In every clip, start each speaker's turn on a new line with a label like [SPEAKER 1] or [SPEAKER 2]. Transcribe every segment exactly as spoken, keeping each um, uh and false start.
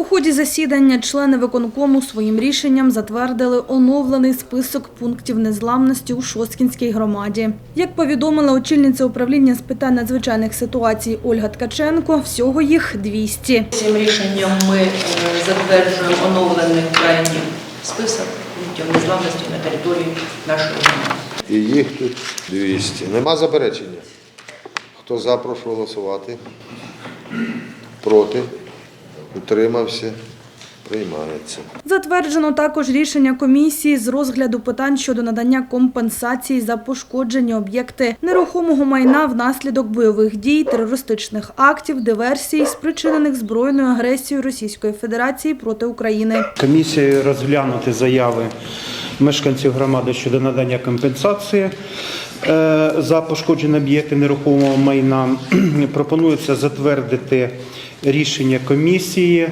[SPEAKER 1] У ході засідання члени виконкому своїм рішенням затвердили оновлений список пунктів незламності у Шосткінській громаді. Як повідомила очільниця управління з питань надзвичайних ситуацій Ольга Ткаченко, всього їх двісті.
[SPEAKER 2] Цим рішенням ми затверджуємо оновлений крайній список пунктів незламності на території нашої громади.
[SPEAKER 3] І їх тут двісті. Нема заперечення? Хто за, прошу голосувати. Проти? Утримався? Приймається.
[SPEAKER 1] Затверджено також рішення комісії з розгляду питань щодо надання компенсації за пошкоджені об'єкти нерухомого майна внаслідок бойових дій, терористичних актів, диверсій, спричинених збройною агресією Російської Федерації проти України.
[SPEAKER 4] Комісією розглянути заяви мешканців громади щодо надання компенсації за пошкоджені об'єкти нерухомого майна. Пропонується затвердити рішення комісії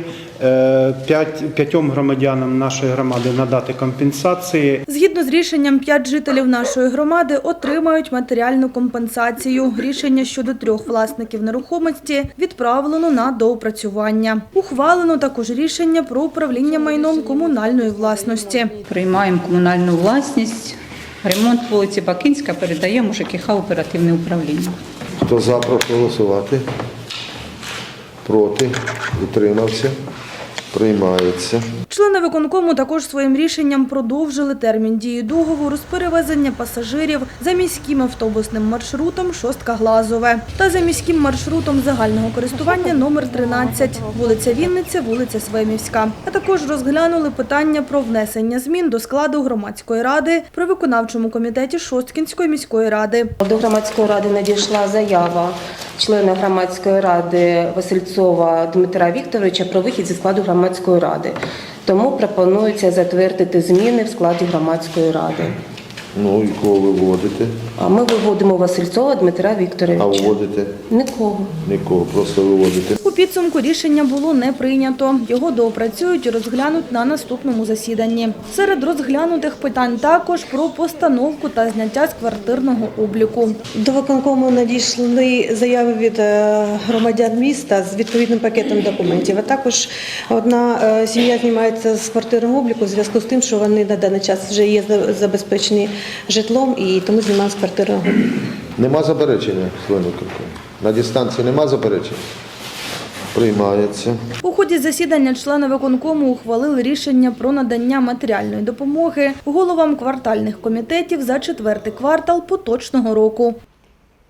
[SPEAKER 4] п'ятьом громадянам нашої громади надати компенсації.
[SPEAKER 1] Згідно з рішенням, п'ять жителів нашої громади отримають матеріальну компенсацію. Рішення щодо трьох власників нерухомості відправлено на доопрацювання. Ухвалено також рішення про управління майном комунальної власності.
[SPEAKER 5] Приймаємо комунальну власність. Ремонт вулиці Бакинська передаємо у ЖКХ оперативне управління.
[SPEAKER 3] Хто за, прошу голосувати. Проти? Утримався? Приймається.
[SPEAKER 1] Члени виконкому також своїм рішенням продовжили термін дії договору з перевезення пасажирів за міським автобусним маршрутом Шостка-Глазове та за міським маршрутом загального користування номер тринадцять, вулиця Вінниця, вулиця Свемівська. А також розглянули питання про внесення змін до складу громадської ради при виконавчому комітеті Шосткінської міської ради.
[SPEAKER 6] До громадської ради надійшла заява члена громадської ради Васильцова Дмитра Вікторовича про вихід зі складу громадської ради. Тому пропонується затвердити зміни в складі громадської ради.
[SPEAKER 3] Ну і кого ви вводите?
[SPEAKER 6] А ми виводимо Васильцова Дмитра Вікторовича.
[SPEAKER 3] А вводите?
[SPEAKER 6] Нікого.
[SPEAKER 3] Нікого, просто виводите.
[SPEAKER 1] У підсумку рішення було не прийнято. Його доопрацюють і розглянуть на наступному засіданні. Серед розглянутих питань також про постановку та зняття з квартирного обліку.
[SPEAKER 7] До виконкому надійшли заяви від громадян міста з відповідним пакетом документів. А також одна сім'я знімається з квартирного обліку у зв'язку з тим, що вони на даний час вже є забезпечені житлом і тому знімаємо з квартирного обліку.
[SPEAKER 3] Нема заперечення, члени виконкому? На дистанції нема заперечень? Приймається.
[SPEAKER 1] У ході засідання члени виконкому ухвалили рішення про надання матеріальної допомоги головам квартальних комітетів за четвертий квартал поточного року.